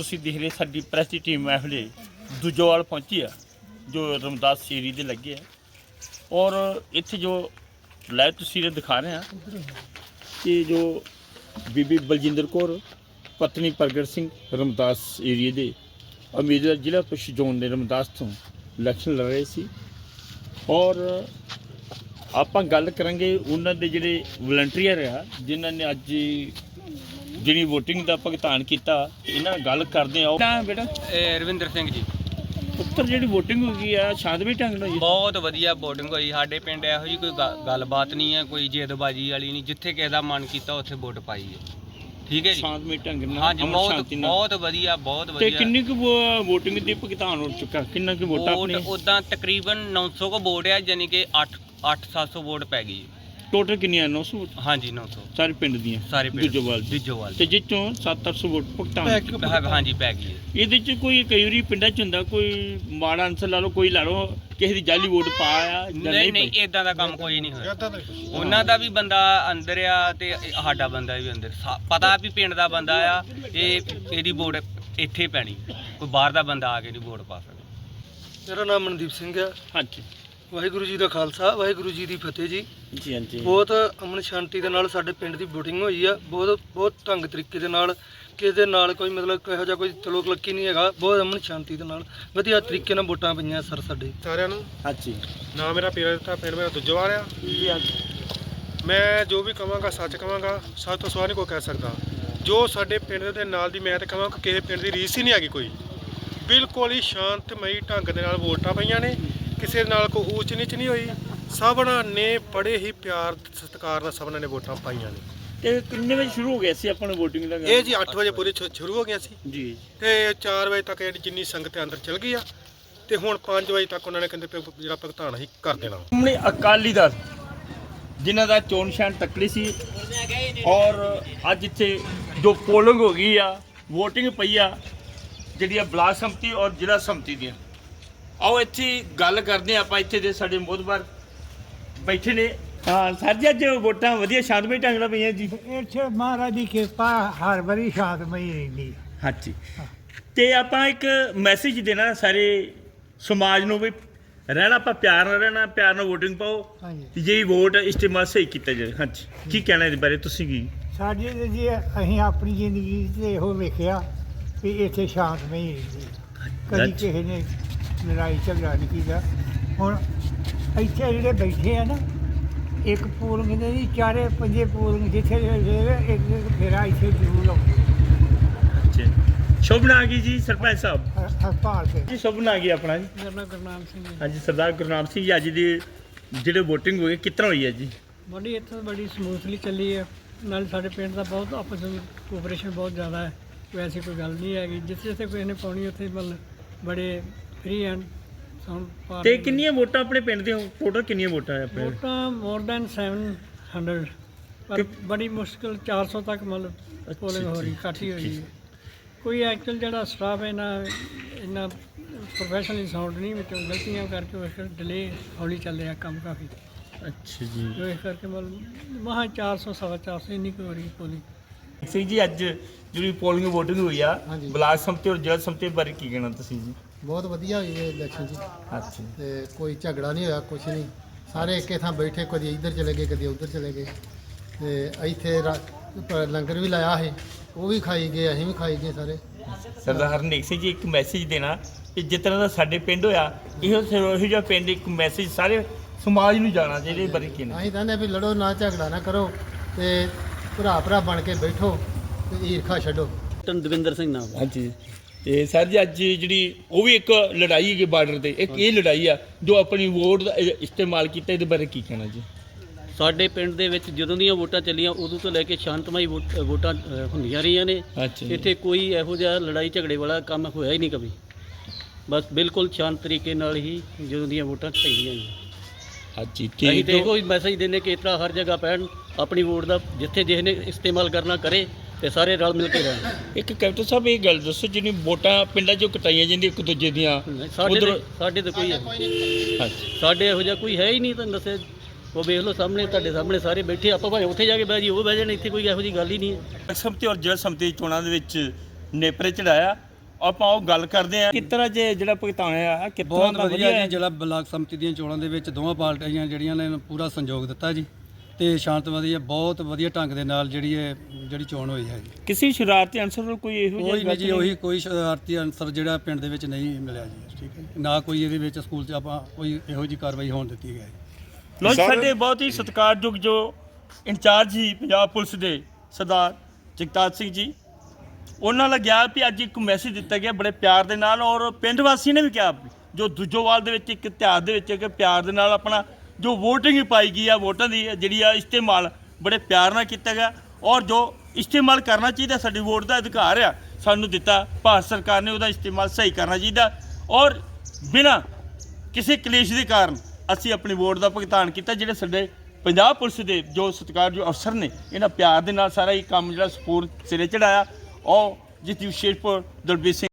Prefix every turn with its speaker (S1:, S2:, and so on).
S1: ਤੁਸੀਂ ਦੇਖ ਰਹੇ ਸਾਡੀ ਪ੍ਰੈਸ ਦੀ ਟੀਮ ਇਹ ਵੇਲੇ ਦੂਜੋਵਾਲ ਪਹੁੰਚੀ ਆ ਜੋ ਰਮਦਾਸ ਸ਼ੇਰੀ ਦੇ ਲੱਗੇ ਆ ਔਰ ਇੱਥੇ ਜੋ ਲਾਈਵ ਤਸਵੀਰਾਂ ਦਿਖਾ ਰਹੇ ਆ ਕਿ ਜੋ ਬੀਬੀ ਬਲਜਿੰਦਰ ਕੌਰ ਪਤਨੀ ਪ੍ਰਗਟ ਸਿੰਘ ਰਮਦਾਸ ਏਰੀਏ ਦੇ ਉਮੀਦਵਾਰ ਜ਼ਿਲ੍ਹਾ ਪੁਲਿਸ ਜ਼ੋਨ ਦੇ ਰਮਦਾਸ ਤੋਂ ਇਲੈਕਸ਼ਨ ਲੜ ਰਹੇ ਸੀ ਔਰ ਆਪਾਂ ਗੱਲ ਕਰਾਂਗੇ ਉਹਨਾਂ ਦੇ ਜਿਹੜੇ ਵਲੰਟੀਅਰ ਆ ਜਿਨ੍ਹਾਂ ਨੇ ਅੱਜ ਜਿਹੜੀ ਵੋਟਿੰਗ ਦਾ ਭੁਗਤਾਨ ਕੀਤਾ ਇਹਨਾਂ ਨਾਲ ਗੱਲ ਕਰਦੇ ਆ। ਨਾ ਬੇਟਾ
S2: ਰਵਿੰਦਰ ਸਿੰਘ ਜੀ
S1: ਪੁੱਤਰ ਜਿਹੜੀ ਵੋਟਿੰਗ ਹੋ ਗਈ ਆ ਸ਼ਾਂਤਮਈ ਢੰਗ ਨਾਲ ਹੋਈ?
S2: ਬਹੁਤ ਵਧੀਆ ਵੋਟਿੰਗ ਹੋਈ ਸਾਡੇ ਪਿੰਡ। ਇਹੋ ਜਿਹੀ ਕੋਈ ਗੱਲਬਾਤ ਨਹੀਂ ਹੈ, ਕੋਈ ਜੇਦਬਾਜੀ ਵਾਲੀ ਨਹੀਂ। ਜਿੱਥੇ ਕਿਸੇ ਦਾ ਮਨ ਕੀਤਾ ਉੱਥੇ ਵੋਟ ਪਾਈ ਹੈ। ਠੀਕ ਹੈ ਜੀ,
S1: ਸ਼ਾਂਤਮਈ ਢੰਗ ਨਾਲ।
S2: ਹਾਂਜੀ ਬਹੁਤ ਵਧੀਆ ਬਹੁਤ ਵਧੀਆ।
S1: ਤੇ ਕਿੰਨੀ ਕੁ ਵੋਟਿੰਗ ਦੀ ਭੁਗਤਾਨ ਹੋ ਚੁੱਕਾ? ਕਿੰਨਾ ਕੁ ਵੋਟਾਂ ਆਪਣੀਆਂ?
S2: ਉਦਾਂ ਤਕਰੀਬਨ 900 ਕੋ ਵੋਟ ਹੈ, ਯਾਨੀ ਕਿ 8-700 ਵੋਟ ਪੈ ਗਈ।
S1: ਟੋਟਲ ਕਿੰਨੀਆਂ? 900 ਵੋਟ?
S2: ਹਾਂਜੀ 900
S1: ਸਾਰੇ ਪਿੰਡ ਦੀਆਂ?
S2: ਸਾਰੇ ਪਿੰਡ ਦੂਜੋਵਾਲ
S1: ਤੇ ਜਿਸ ਚੋਂ 700 ਵੋਟ ਭੁਗਤਾਨ
S2: ਹਾਂਜੀ ਪੈ ਗਈ ਹੈ।
S1: ਇਹਦੇ ਚ ਕੋਈ ਕਈ ਵਾਰੀ ਪਿੰਡਾਂ ਚ ਹੁੰਦਾ ਕੋਈ ਮਾੜਾ ਅੰਸਰ ਲਾ ਲਓ, ਕੋਈ ਲਾ ਲਓ ਕਿਸੇ ਦੀ ਜਾਲੀ ਵੋਟ ਪਾਇਆ?
S2: ਨਹੀਂ ਇਦਾਂ ਦਾ ਕੰਮ ਕੋਈ ਨਹੀਂ ਹੋਇਆ। ਉਹਨਾਂ ਦਾ ਵੀ ਬੰਦਾ ਅੰਦਰ ਆ ਤੇ ਸਾਡਾ ਬੰਦਾ ਵੀ ਅੰਦਰ। ਪਤਾ ਵੀ ਪਿੰਡ ਦਾ ਬੰਦਾ ਆ, ਇਹਦੀ ਵੋਟ ਇੱਥੇ ਪੈਣੀ, ਕੋਈ ਬਾਹਰ ਦਾ ਬੰਦਾ ਆ ਕੇ ਨਹੀਂ ਵੋਟ ਪਾ ਸਕਦਾ।
S3: ਮੇਰਾ ਨਾਮ ਮਨਦੀਪ ਸਿੰਘ ਹੈ।
S1: ਹਾਂਜੀ,
S3: ਵਾਹਿਗੁਰੂ ਜੀ ਦਾ ਖਾਲਸਾ, ਵਾਹਿਗੁਰੂ ਜੀ ਦੀ ਫਤਿਹ ਜੀ।
S1: ਜੀ ਹਾਂਜੀ।
S3: ਬਹੁਤ ਅਮਨ ਸ਼ਾਂਤੀ ਦੇ ਨਾਲ ਸਾਡੇ ਪਿੰਡ ਦੀ ਵੋਟਿੰਗ ਹੋਈ ਆ। ਬਹੁਤ ਢੰਗ ਤਰੀਕੇ ਦੇ ਨਾਲ, ਕਿਸੇ ਦੇ ਨਾਲ ਕੋਈ ਮਤਲਬ ਕਿਹੋ ਜਿਹਾ ਕੋਈ ਤਲੋਕ ਲੱਕੀ ਨਹੀਂ ਹੈਗਾ। ਬਹੁਤ ਅਮਨ ਸ਼ਾਂਤੀ ਦੇ ਨਾਲ ਵਧੀਆ ਤਰੀਕੇ ਨਾਲ ਵੋਟਾਂ ਪਈਆਂ ਸਰ ਸਾਡੇ
S4: ਸਾਰਿਆਂ ਨੂੰ।
S1: ਹਾਂਜੀ,
S4: ਨਾਮ ਮੇਰਾ ਪੀਰਾ ਦਿੱਤਾ, ਪਿੰਡ ਮੇਰਾ ਦੂਜੋਵਾਲ ਆ।
S1: ਜੀ ਹਾਂਜੀ।
S4: ਮੈਂ ਜੋ ਵੀ ਕਹਾਂਗਾ ਸੱਚ ਕਹਾਂਗਾ, ਸੱਚ ਤੋਂ ਸਿਵਾ ਨਹੀਂ ਕੋਈ ਕਹਿ ਸਕਦਾ। ਜੋ ਸਾਡੇ ਪਿੰਡ ਦੇ ਨਾਲ ਦੀ ਮੈਂ ਤਾਂ ਕਹਾਂਗਾ ਕਿਸੇ ਪਿੰਡ ਦੀ ਰੀਸ ਹੀ ਨਹੀਂ ਹੈਗੀ ਕੋਈ। ਬਿਲਕੁਲ ਹੀ ਸ਼ਾਂਤਮਈ ਢੰਗ ਦੇ ਨਾਲ ਵੋਟਾਂ ਪਈਆਂ ਨੇ। ਕਿਸੇ ਨਾਲ ਕੋਈ ਊਚ ਨੀਚ ਨਹੀਂ ਹੋਈ। ਸਭਨਾਂ ਨੇ ਬੜੇ ਹੀ ਪਿਆਰ ਸਤਿਕਾਰ ਨਾਲ ਸਭਨਾਂ ਨੇ ਵੋਟਾਂ ਪਾਈਆਂ ਨੇ।
S1: ਤੇ ਕਿੰਨੇ ਵਜੇ ਸ਼ੁਰੂ ਹੋ ਗਿਆ ਸੀ ਆਪਣਾ ਵੋਟਿੰਗ ਦਾ?
S4: ਇਹ ਜੀ 8 ਵਜੇ ਪੂਰੇ ਸ਼ੁਰੂ ਹੋ ਗਿਆ ਸੀ
S1: ਜੀ,
S4: ਤੇ 4 ਵਜੇ ਤੱਕ ਜਿੰਨੀ ਸੰਗਤ ਅੰਦਰ ਚਲ ਗਈ ਆ ਤੇ ਹੁਣ 5 ਵਜੇ ਤੱਕ ਉਹਨਾਂ ਨੇ ਕਹਿੰਦੇ ਜਿਹੜਾ ਭੁਗਤਾਨ ਅਸੀਂ ਕਰ ਦੇਣਾ।
S1: ਸਾਹਮਣੇ ਅਕਾਲੀ ਦਲ ਜਿਨ੍ਹਾਂ ਦਾ ਚੋਣ ਨਿਸ਼ਾਨ ਤੱਕੜੀ ਸੀ ਔਰ ਅੱਜ ਇੱਥੇ ਜੋ ਪੋਲਿੰਗ ਹੋ ਗਈ ਆ, ਵੋਟਿੰਗ ਪਈ ਆ ਜਿਹੜੀ ਆ ਬਲਾਕ ਸੰਮਤੀ ਔਰ ਜ਼ਿਲ੍ਹਾ ਸੰਮਤੀ ਦੀਆਂ। ਆਓ ਇੱਥੇ ਗੱਲ ਕਰਦੇ ਆਪਾਂ। ਇੱਥੇ ਦੇ ਸਾਡੇ ਮੋਹਤਬਰ ਬੈਠੇ ਨੇ। ਹਾਂ ਸਰ ਜੀ, ਅੱਜ ਵੋਟਾਂ ਵਧੀਆ ਸ਼ਾਂਤਮਈ ਢੰਗ ਨਾਲ ਪਈਆਂ ਜੀ?
S5: ਇੱਥੇ ਮਹਾਰਾਜ ਦੀ ਕਿਰਪਾ ਹਰ ਵਾਰੀ ਸ਼ਾਂਤਮਈ ਰਹਿੰਦੀ।
S1: ਹਾਂਜੀ, ਤੇ ਆਪਾਂ ਇੱਕ ਮੈਸੇਜ ਦੇਣਾ ਸਾਰੇ ਸਮਾਜ ਨੂੰ ਵੀ ਰਹਿਣਾ ਆਪਾਂ ਪਿਆਰ ਨਾਲ ਰਹਿਣਾ, ਪਿਆਰ ਨਾਲ ਵੋਟਿੰਗ ਪਾਓ ਤੇ ਜਿਹੜੀ ਵੋਟ ਇਸਤੇਮਾਲ ਸਹੀ ਕੀਤਾ ਜਾਏ। ਹਾਂਜੀ, ਕੀ ਕਹਿਣਾ ਇਹਦੇ ਬਾਰੇ ਤੁਸੀਂ? ਕੀ
S5: ਸਾਡੇ ਤੇ ਜੀ ਅਸੀਂ ਆਪਣੀ ਜ਼ਿੰਦਗੀ 'ਚ ਇਹੋ ਵੇਖਿਆ ਵੀ ਇੱਥੇ ਸ਼ਾਂਤਮਈ ਰਹਿੰਦੀ, ਕਦੀ ਕਿਸੇ ਨੇ ਲੜਾਈ ਝਗੜਾ ਨਹੀਂ ਕੀਤਾ। ਹੁਣ ਇੱਥੇ ਜਿਹੜੇ ਬੈਠੇ ਆ ਨਾ, ਇੱਕ ਪੋਲਿੰਗ ਦੇ ਜੀ 4-5 ਪੋਲਿੰਗ ਜਿੱਥੇ ਇੱਕ ਫੇਰਾ ਇੱਥੇ ਜ਼ਰੂਰ ਆਉਂਦੇ।
S1: ਅੱਛਾ, ਸ਼ੁਭਨਾ ਆ ਗਈ ਜੀ ਸਰਪੰਚ ਸਾਹਿਬ?
S5: ਹਸਪਤਾਲ ਤੇ
S1: ਜੀ ਸ਼ੁਭਨਾ ਆ ਗਈ ਆਪਣਾ ਜੀ।
S5: ਮੇਰਾ ਨਾਮ ਗੁਰਨਾਮ ਸਿੰਘ ਹੈ।
S1: ਹਾਂਜੀ, ਸਰਦਾਰ ਗੁਰਨਾਮ ਸਿੰਘ ਜੀ, ਅੱਜ ਦੀ ਜਿਹੜੇ ਵੋਟਿੰਗ ਹੋਈ ਕਿਸ ਤਰ੍ਹਾਂ ਹੋਈ ਹੈ ਜੀ?
S5: ਬੜੀ ਇੱਥੇ ਬੜੀ ਸਮੂਥਲੀ ਚੱਲੀ ਹੈ। ਨਾਲ ਸਾਡੇ ਪਿੰਡ ਦਾ ਬਹੁਤ ਆਪਸ ਵਿੱਚ ਕੋਆਪਰੇਸ਼ਨ ਬਹੁਤ ਜ਼ਿਆਦਾ ਹੈ। ਵੈਸੇ ਕੋਈ ਗੱਲ ਨਹੀਂ ਹੈਗੀ। ਜਿੱਥੇ ਜਿੱਥੇ ਕੋਈ ਨੇ ਪਾਉਣੀ ਉੱਥੇ ਮਤਲਬ ਬੜੇ ਫ੍ਰੀ ਐਂਡ ਸਾਊਂਡ।
S1: ਤੇ ਕਿੰਨੀਆਂ ਵੋਟਾਂ ਆਪਣੇ ਪਿੰਡ ਦੀਆਂ ਟੋਟਲ ਕਿੰਨੀਆਂ ਵੋਟਾਂ ਹੈ ਆਪਣੇ?
S5: ਵੋਟਾਂ ਮੋਰ ਦੈਨ 700, ਪਰ ਬੜੀ ਮੁਸ਼ਕਿਲ 400 ਤੱਕ ਮਤਲਬ ਪੋਲਿੰਗ ਹੋ ਰਹੀ, ਘੱਟ ਹੀ ਹੋਈ ਹੈ। ਕੋਈ ਐਕਚੁਅਲ ਜਿਹੜਾ ਸਟਾਫ ਹੈ ਇੰਨਾ ਪ੍ਰੋਫੈਸ਼ਨਲੀ ਸਾਊਂਡ ਨਹੀਂ, ਵਿੱਚੋਂ ਗਲਤੀਆਂ ਕਰਕੇ ਉਸ ਡਿਲੇ ਹੌਲੀ ਚੱਲ ਰਿਹਾ ਕੰਮ ਕਾਫੀ।
S1: ਅੱਛਾ ਜੀ,
S5: ਜੋ ਇਸ ਕਰਕੇ ਮਤਲਬ ਮਹਾ 400 ਸਵਾ 400 ਇੰਨੀ ਕੁ ਹੋ ਰਹੀ ਪੋਲਿੰਗ।
S1: ਸਿੰਘ ਜੀ, ਅੱਜ ਜਿਹੜੀ ਪੋਲਿੰਗ ਵੋਟਿੰਗ ਹੋਈ ਆ ਬਲਾਕ ਸੰਮਤੀ ਔਰ ਜ਼ਿਲ੍ਹਾ ਸੰਮਤੀ ਬਾਰੇ ਕੀ ਕਹਿਣਾ ਤੁਸੀਂ ਜੀ?
S6: ਬਹੁਤ ਵਧੀਆ ਹੋਈ ਹੈ ਇਲੈਕਸ਼ਨ ਜੀ।
S1: ਅੱਛਾ,
S6: ਤੇ ਕੋਈ ਝਗੜਾ ਨਹੀਂ ਹੋਇਆ, ਕੁਛ ਨਹੀਂ। ਸਾਰੇ ਇੱਕੇ ਥਾਂ ਬੈਠੇ, ਕਦੀ ਇੱਧਰ ਚਲੇ ਗਏ ਕਦੀ ਉੱਧਰ ਚਲੇ ਗਏ। ਤੇ ਇੱਥੇ ਲੰਗਰ ਵੀ ਲਾਇਆ ਸੀ, ਉਹ ਵੀ ਖਾਈ ਗਏ, ਅਸੀਂ ਵੀ ਖਾਈ ਗਏ ਸਾਰੇ।
S1: ਸਰਦਾਰ ਹਰਨੇਕ ਸਿੰਘ ਜੀ, ਇੱਕ ਮੈਸੇਜ ਦੇਣਾ ਕਿ ਜਿਸ ਤਰ੍ਹਾਂ ਦਾ ਸਾਡੇ ਪਿੰਡ ਹੋਇਆ ਇਹੋ ਜਿਹਾ ਪਿੰਡ ਇੱਕ ਮੈਸੇਜ ਸਾਰੇ ਸਮਾਜ ਨੂੰ ਜਾਣਾ ਚਾਹੀਦਾ। ਇਹਦੇ ਬਾਰੇ ਕੀ ਨੇ?
S6: ਅਸੀਂ ਕਹਿੰਦੇ ਵੀ ਲੜੋ ਨਾ, ਝਗੜਾ ਨਾ ਕਰੋ, ਤੇ ਭਰਾ ਬਣ ਕੇ ਬੈਠੋ ਤੇ ਈਰਖਾ ਛੱਡੋ।
S7: ਦਵਿੰਦਰ ਸਿੰਘ ਨਾਮ।
S1: ਹਾਂਜੀ, ਤੇ ਸਰ ਜੀ ਅੱਜ ਜਿਹੜੀ ਉਹ ਵੀ ਇੱਕ ਲੜਾਈ ਹੈਗੀ ਬਾਰਡਰ ਤੇ, ਇੱਕ ਇਹ ਲੜਾਈ ਆ ਜੋ ਆਪਣੀ ਵੋਟ ਦਾ ਇਸਤੇਮਾਲ ਕੀਤਾ, ਇਹਦੇ ਬਾਰੇ ਕੀ ਕਹਿਣਾ ਜੀ?
S7: ਸਾਡੇ ਪਿੰਡ ਦੇ ਵਿੱਚ ਜਦੋਂ ਦੀਆਂ ਵੋਟਾਂ ਚੱਲੀਆਂ ਉਦੋਂ ਤੋਂ ਲੈ ਕੇ ਸ਼ਾਂਤਮਈ ਵੋਟਾਂ ਹੁੰਦੀਆਂ ਰਹੀਆਂ ਨੇ। ਇੱਥੇ ਕੋਈ ਇਹੋ ਜਿਹਾ ਲੜਾਈ ਝਗੜੇ ਵਾਲਾ ਕੰਮ ਹੋਇਆ ਹੀ ਨਹੀਂ ਕਦੇ। ਬਸ ਬਿਲਕੁਲ ਸ਼ਾਂਤ ਤਰੀਕੇ ਨਾਲ ਹੀ ਜਦੋਂ ਦੀਆਂ ਵੋਟਾਂ ਪਈਆਂ ਜੀ।
S1: ਹਾਂਜੀ,
S7: ਅਸੀਂ ਤੇ ਇਹੋ ਹੀ ਮੈਸੇਜ ਦਿੰਦੇ ਕਿ ਇਸ ਤਰ੍ਹਾਂ ਹਰ ਜਗ੍ਹਾ ਪੈਣ, ਆਪਣੀ ਵੋਟ ਦਾ ਜਿੱਥੇ ਜਿਸ ਨੇ ਇਸਤੇਮਾਲ ਕਰਨਾ ਕਰੇ ਤੇ ਸਾਰੇ ਰਲ ਮਿਲ ਕੇ ਰਹਿਣ।
S1: ਇੱਕ ਕੈਪਟਨ ਸਾਹਿਬ ਇਹ ਗੱਲ ਦੱਸੋ, ਜਿਹੜੀ ਵੋਟਾਂ ਪਿੰਡਾਂ 'ਚੋਂ ਕਟਾਈਆਂ ਜਾਂਦੀਆਂ ਇੱਕ ਦੂਜੇ ਦੀਆਂ,
S7: ਸਾਡੇ ਤਾਂ ਕੋਈ ਸਾਡੇ ਇਹੋ ਜਿਹਾ ਕੋਈ ਹੈ ਹੀ ਨਹੀਂ। ਤੁਹਾਨੂੰ ਦੱਸਿਆ, ਉਹ ਵੇਖ ਲਓ ਸਾਹਮਣੇ, ਤੁਹਾਡੇ ਸਾਹਮਣੇ ਸਾਰੇ ਬੈਠੇ। ਆਪਾਂ ਭਾਵੇਂ ਉੱਥੇ ਜਾ ਕੇ ਬਹਿ ਜੀ, ਉਹ ਬਹਿ ਜਾਣ, ਇੱਥੇ ਕੋਈ ਇਹੋ ਜਿਹੀ ਗੱਲ ਹੀ ਨਹੀਂ ਹੈ।
S1: ਸੰਮਤੀ ਔਰ ਜ਼ਿਲ੍ਹਾ ਸੰਮਤੀ ਚੋਣਾਂ ਦੇ ਵਿੱਚ ਨੇਪਰੇ ਚੜਾਇਆ ਆਪਾਂ ਉਹ ਗੱਲ ਕਰਦੇ ਆ ਕਿਸ ਤਰ੍ਹਾਂ ਜੇ ਜਿਹੜਾ ਭੁਗਤਾਨ ਆ ਕਿਤਨਾ
S8: ਬਹੁਤ ਵਧੀਆ ਜੀ। ਜਿਹੜਾ ਬਲਾਕ ਸੰਮਤੀ ਦੀਆਂ ਚੋਣਾਂ ਦੇ ਵਿੱਚ ਦੋਵਾਂ ਪਾਰਟੀਆਂ ਜਿਹੜੀਆਂ ਨੇ ਪੂਰਾ ਸਹਿਯੋਗ ਦਿੱਤਾ ਜੀ ਤੇ ਸ਼ਾਂਤਮਈ ਬਹੁਤ ਵਧੀਆ ਢੰਗ ਦੇ ਨਾਲ ਜਿਹੜੀ ਚੋਣ ਹੋਈ ਹੈ ਜੀ।
S1: ਕਿਸੇ ਸ਼ਰਾਰਤੀ ਅਨਸਰ ਨੂੰ ਕੋਈ ਇਹੋ
S8: ਕੋਈ ਨਹੀਂ ਜੀ, ਉਹੀ ਕੋਈ ਸ਼ਰਾਰਤੀ ਅਨਸਰ ਜਿਹੜਾ ਪਿੰਡ ਦੇ ਵਿੱਚ ਨਹੀਂ ਮਿਲਿਆ ਜੀ। ਠੀਕ ਹੈ ਜੀ। ਨਾ ਕੋਈ ਇਹਦੇ ਵਿੱਚ ਸਕੂਲ 'ਚ ਆਪਾਂ ਕੋਈ ਇਹੋ ਜਿਹੀ ਕਾਰਵਾਈ ਹੋਣ ਦਿੱਤੀ ਹੈ।
S1: ਲੋ ਸਾਡੇ ਬਹੁਤ ਹੀ ਸਤਿਕਾਰਯੋਗ ਜੋ ਇੰਚਾਰਜ ਸੀ ਪੰਜਾਬ ਪੁਲਿਸ ਦੇ ਸਰਦਾਰ ਜਗਤਾਰ ਸਿੰਘ ਜੀ, ਉਹਨਾਂ ਨਾਲ ਗਿਆ ਵੀ ਅੱਜ ਇੱਕ ਮੈਸੇਜ ਦਿੱਤਾ ਗਿਆ ਬੜੇ ਪਿਆਰ ਦੇ ਨਾਲ, ਔਰ ਪਿੰਡ ਵਾਸੀ ਨੇ ਵੀ ਕਿਹਾ ਜੋ ਦੁੱਜੋਵਾਲ ਦੇ ਵਿੱਚ ਇੱਕ ਇਤਿਹਾਸ ਦੇ ਵਿੱਚ ਕਿ ਪਿਆਰ ਦੇ ਨਾਲ ਆਪਣਾ ਜੋ ਵੋਟਿੰਗ ਪਾਈ ਗਈ ਆ, ਵੋਟਾਂ ਦੀ ਜਿਹੜੀ ਆ ਇਸਤੇਮਾਲ ਬੜੇ ਪਿਆਰ ਨਾਲ ਕੀਤਾ ਗਿਆ, ਔਰ ਜੋ ਇਸਤੇਮਾਲ ਕਰਨਾ ਚਾਹੀਦਾ, ਸਾਡੀ ਵੋਟ ਦਾ ਅਧਿਕਾਰ ਆ ਸਾਨੂੰ ਦਿੱਤਾ ਭਾਰਤ ਸਰਕਾਰ ਨੇ, ਉਹਦਾ ਇਸਤੇਮਾਲ ਸਹੀ ਕਰਨਾ ਚਾਹੀਦਾ, ਔਰ ਬਿਨਾਂ ਕਿਸੇ ਕਲੇਸ਼ ਦੇ ਕਾਰਨ ਅਸੀਂ ਆਪਣੀ ਵੋਟ ਦਾ ਭੁਗਤਾਨ ਕੀਤਾ। ਜਿਹੜੇ ਸਾਡੇ ਪੰਜਾਬ ਪੁਲਿਸ ਦੇ ਜੋ ਸਤਿਕਾਰਯੋਗ ਅਫਸਰ ਨੇ, ਇਹਨਾਂ ਪਿਆਰ ਦੇ ਨਾਲ ਸਾਰਾ ਇਹ ਕੰਮ ਜਿਹੜਾ ਸਪੋਰਟ ਸਿਰੇ ਚੜਾਇਆ, ਔਰ ਜਿਸ ਦੀ ਵਿਸ਼ੇਸ਼ਪੁਰ ਦਲਬੀਰ ਸਿੰਘ